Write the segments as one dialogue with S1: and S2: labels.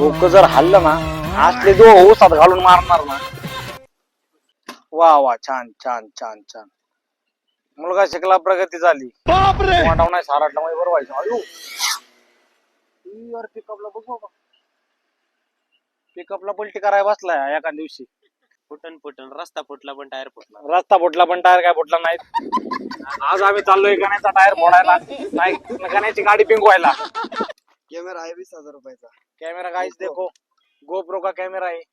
S1: डोकं जर हल्लं ना असले जो ऊसात घालून मारणार ना. वा वा छान छान छान छान. मुलगा शिकला प्रगती झाली. वाटाव नाही साराटला मध्ये बरं व्हायचं. अयो यार पिकअपला बघू का. पिकअपला पलटी करायला बसलाय एका दिवशी.
S2: फुटन फुटन रस्ता फुटला पण टायर फुटला.
S1: रस्ता फुटला पण टायर काय फुटला नाही. आज आम्ही चाललोय गण्याचा टायर फोडायला. नाही गण्याची गाडी पिंकवायला.
S3: कॅमेरा आहे 20,000 रुपयाचा.
S1: कॅमेरा गाइस देखो गोप्रो का कॅमेरा है.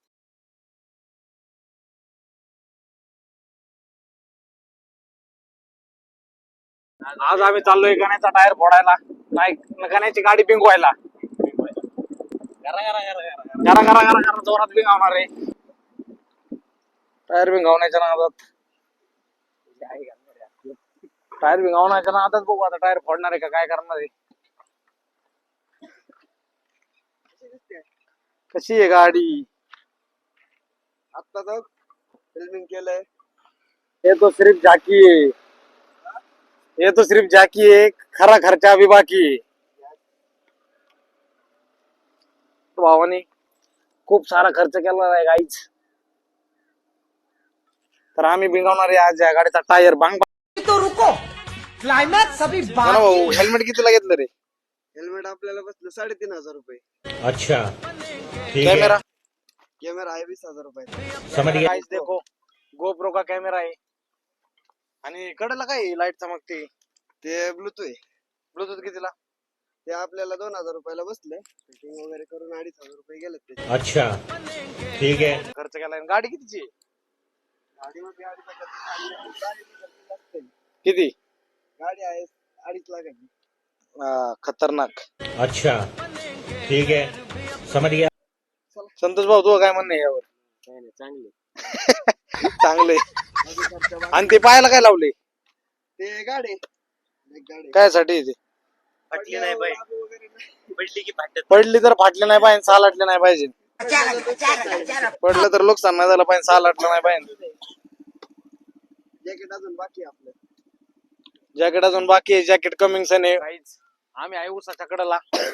S1: आज आम्ही चाललोय गण्याचा टायर फोडायला. नाही गण्याची गाडी पिंकवायला.
S2: गरा गरा गरा गरा
S1: घरा घरा घरा घरा जोरात पिंगावणार आहे. टायर पिंगावण्याच्या नादात. टायर पिंगावण्याच्या नादात बघू आता टायर फोडणार आहे का काय करणार आहे. कशी आहे गाडी.
S3: आता तर फिल्मिंग केलंय.
S1: ये तो सिर्फ झाकी है. ये तो सिर्फ झाकी है. खरा खर्चा अभी बाकी है. भावानी खूप सारा खर्च केला आहे गाईच. तर आम्ही बिंगावणार आहे आज या गाडीचा टायर. बांग
S4: तो रुको क्लाइमैक्स अभी
S1: भाऊ हेल्मेट कितीला घेतलं रे.
S3: हेल्मेट आपल्याला बसलं 3,500 रुपये.
S5: अच्छा ठीक है
S1: कॅमेरा
S3: कॅमेरा आहे 20,000 रुपयाचा.
S5: समझ गया.
S1: गाइस देखो गोप्रो का कॅमेरा आहे. आणि कडेला काय लाईट चमकते.
S3: ते ब्लूटूथ आहे.
S1: ब्लूटूथ कितीला.
S3: ते आपल्याला 2,000 रुपयाला बसले. फिटिंग वगैरे करून 2,500 रुपये गेले ते.
S5: अच्छा ठीक है.
S1: खर्च केलाय. गाडी कितीची आहे?
S3: गाडीमध्ये गाडीचा खर्च गाडीचा खर्च असते.
S1: किती.
S3: गाडी आहे 2.5 लाखाची.
S1: खतरनाक.
S5: अच्छा ठीक है समझ गया.
S1: संतोष भाऊ तुझं काय म्हणणं आहे यावर.
S2: काय नाही चांगले.
S1: चांगले. आणि ते पायाला काय लावले.
S3: ते गाडी एक गाडी
S1: काय साठी ते.
S2: फाटली नाही बाई.
S3: वगैरे नाही.
S2: पडली की फाटत.
S1: पडली तर फाटले नाही पाहिजे. सालाटले नाही पाहिजे. पडलं तर नुकसान नाही झालं पाहिजे. सालाटलं नाही पाहिजे.
S3: जॅकेट अजून बाकी आहे आपलं.
S1: जॅकेट अजून बाकी आहे. जॅकेट कमिंग सन आहे. आम्ही आहे उसाच्या कडेला.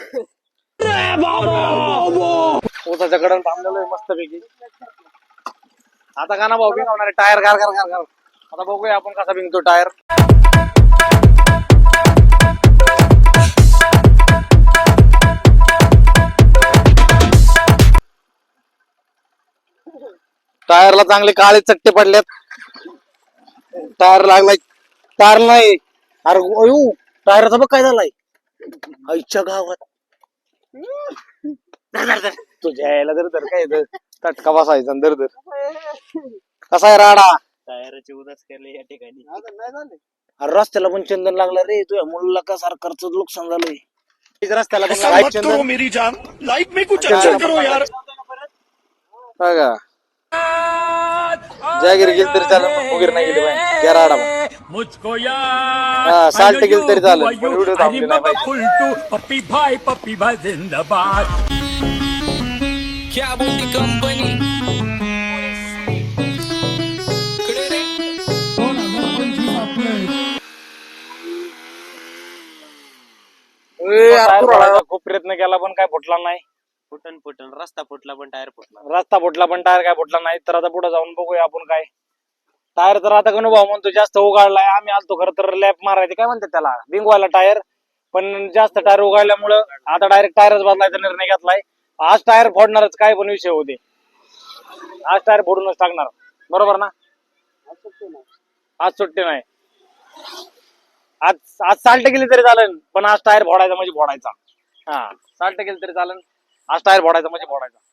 S1: उसाच्या कडेला थांबलेलो आहे मस्त पैकी. आता का ना भाऊ बिंगवणार टायर गार गार गार गार. आता बघूया आपण कसा बिंगतो टायर. टायरला चांगले काळे चट्टे पडलेत. टायर लागलाय. टायर नाही. अरे अयो टायरचा बघ काय झालाय. आईच्या गावात. तुझ्या यायला दर काय तटका बसायचा दर कसा आहे राडा.
S2: टायराची उदास केले या ठिकाणी.
S3: अजून नाही झाले.
S1: अरे रस्त्याला पण चंदन लागलं रे. तुझ्या मुलाला का सारखं नुकसान झालंय. रस्त्याला पण लाईट चंदन.
S5: मेरी जान लाइफ में कुछ अच्छा करो यार.
S1: बघा जागीर गेली तरी चालेल. वगैरे नाही गेली पाहिजे. त्या राडा
S5: मुझको
S1: साल्ट गेली तरी चालेल. व्हिडिओ थांबली नाही पाहिजे.
S5: पप्पी भाई जिंदाबाद.
S6: क्या बोलती कंपनी
S1: खूप प्रयत्न केला पण काय फुटला नाही.
S2: फुटन फुटन रस्ता फुटला पण टायर फुटला.
S1: रस्ता फुटला पण टायर काय फुटला नाही. तर आता पुढे जाऊन बघूया आपण काय. टायर तर आता गणू भाऊ म्हणतो जास्त उगाळलाय. आम्ही आलतो खरं तर लॅप मारायचे काय म्हणतात त्याला बिंगवायला टायर. पण जास्त टायर उगाळल्यामुळं आता डायरेक्ट टायरच बदलायचा निर्णय घेतलाय. आज टायर फोडणारच काय पण विषय होते. आज टायर फोडूनच टाकणार. बरोबर ना. आज सुट्टी नाही. आज आज साल्ट गेली तरी चालेल पण आज टायर फोडायचा म्हणजे फोडायचा. हा साल्ट गेली तरी चालेल. आज टायर फोडायचा म्हणजे फोडायचा.